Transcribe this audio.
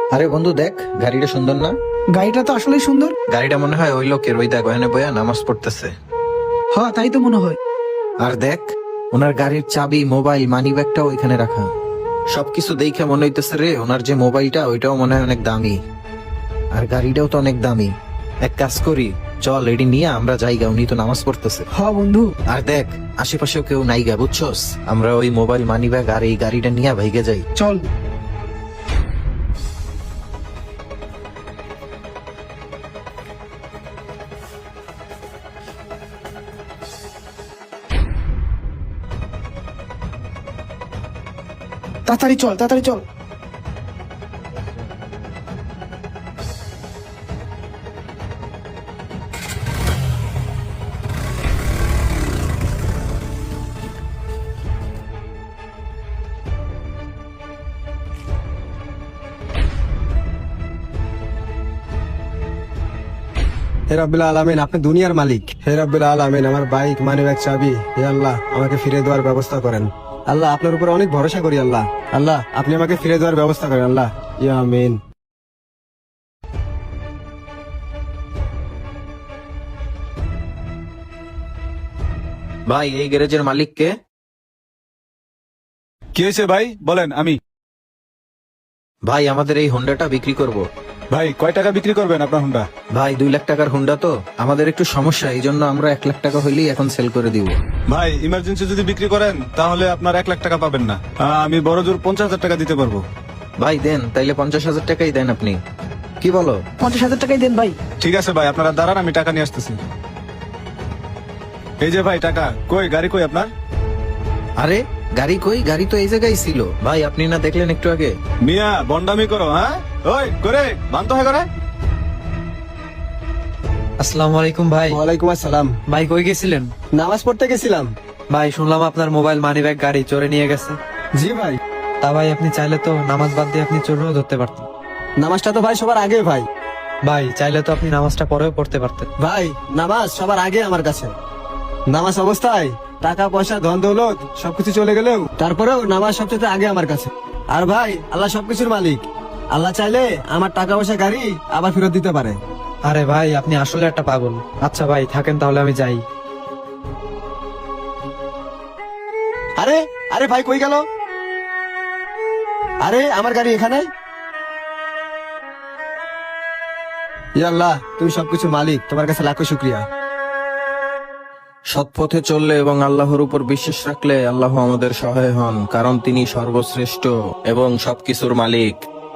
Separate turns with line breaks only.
আরে বন্ধু দেখ, গাড়িটা সুন্দর না?
গাড়িটা তো আসলেই সুন্দর।
গাড়িটা মনে হয় ওই লোকের, ওই দেখ ওখানে বইয়া নামাজ পড়তেছে।
হ্যাঁ, তাই তো মনে হয়।
আর দেখ, ওনার গাড়ির চাবি, মোবাইল, মানি ব্যাগটাও ওইখানে রাখা। সবকিছু দেখে মনে হইতেছে রে, ওনার যে মোবাইলটা ওইটাও মনে হয় অনেক দামি, আর গাড়িটাও তো অনেক দামি। এক কাজ করি, চল এটি নিয়ে আমরা যাইগা, উনি তো নামাজ পড়তেছে।
হ্যাঁ বন্ধু।
আর দেখ, আশেপাশেও কেউ নাই গা, বুঝছস? আমরা ওই মোবাইল, মানি ব্যাগ আর এই গাড়িটা নিয়ে ভাইগে যাই।
চল। তাড়াতাড়ি চল, তাড়াতাড়ি চল।
হে রাব্বিল আলামিন, আপনি দুনিয়ার মালিক। হে রাব্বিল আলামিন, আমার বাইক, মানিব্যাগ, চাবি, হে আল্লাহ আমাকে ফিরে দেওয়ার ব্যবস্থা করেন। আল্লাহ, আপনার উপর অনেক ভরসা করি। আল্লাহ, আল্লাহ আপনি আমাকে ফিরে দেওয়ার ব্যবস্থা করেন। আল্লাহ, ইয়া আমিন।
ভাই, এই গ্যারেজের মালিক কে?
কি হয়েছে ভাই, বলেন। আমি
ভাই, আমাদের এই হোন্ডাটা বিক্রি করব।
ভাই, কয় টাকা বিক্রি করবেন আপনার হুন্ডা?
ভাই, 2 লাখ টাকার হোন্ডা তো, আমাদের একটু সমস্যা, এই জন্য আমরা 1 লাখ টাকা হইলেই এখন সেল করে দিব।
ভাই, ইমার্জেন্সি যদি বিক্রি করেন তাহলে আপনার 1 লাখ টাকা পাবেন না। আমি বড় জোর 50,000 টাকা দিতে পারবো।
ভাই দেন, তাইলে 50,000 টাকাই দেন আপনি, কি বলো?
50,000 টাকাই দেন ভাই।
ঠিক আছে ভাই, আপনারা দাঁড়ান, আমি টাকা নিয়ে আসতেছি। এই যে ভাই টাকা। কই গাড়ি, কই আপনার?
আরে গাড়ি কই? গাড়ি তো এই জায়গায় ছিল ভাই, আপনি না দেখলেন একটু আগে?
মিয়া বন্ডামি করো, হ্যাঁ? ওই করে বান্ত হয় করে।
আসসালামু আলাইকুম ভাই।
ওয়ালাইকুম আসসালাম।
ভাই কই গেছিলেন?
নামাজ পড়তে গেছিলাম।
ভাই শুনলাম আপনার মোবাইল, মানি ব্যাগ, গাড়ি চোরে নিয়ে গেছে।
জি ভাই।
তা ভাই আপনি চাইলে তো নামাজ বাদ দিয়ে আপনি চোরও ধরতে পারতেন।
নামাজটা তো ভাই সবার আগে ভাই।
ভাই চাইলে তো আপনি নামাজটা পরেও পড়তে পারতেন।
ভাই, নামাজ সবার আগে আমার কাছে। নামাজ অবস্থায় টাকা পয়সা, ধন দৌলত সবকিছু চলে গেলেও তারপরেও নামাজ সবচেয়ে আগে আমার কাছে। আর ভাই, আল্লাহ সবকিছুর মালিক। আল্লাহ চাইলে আমার টাকা পয়সা, গাড়ি আবার ফেরত দিতে পারে।
আরে ভাই, আপনি আসলে একটা পাগল। আচ্ছা ভাই থাকেন, তাহলে আমি যাই।
আরে আরে ভাই, কই গেল? আরে আমার গাড়ি এখানে। ইয়া আল্লাহ, তুমি সবকিছু মালিক, তোমার কাছে লাখো শুকরিয়া।
সৎ পথে চললে এবং আল্লাহর উপর বিশ্বাস রাখলে আল্লাহ আমাদের সহায় হন, কারণ তিনি সর্বশ্রেষ্ঠ এবং সবকিছুর মালিক।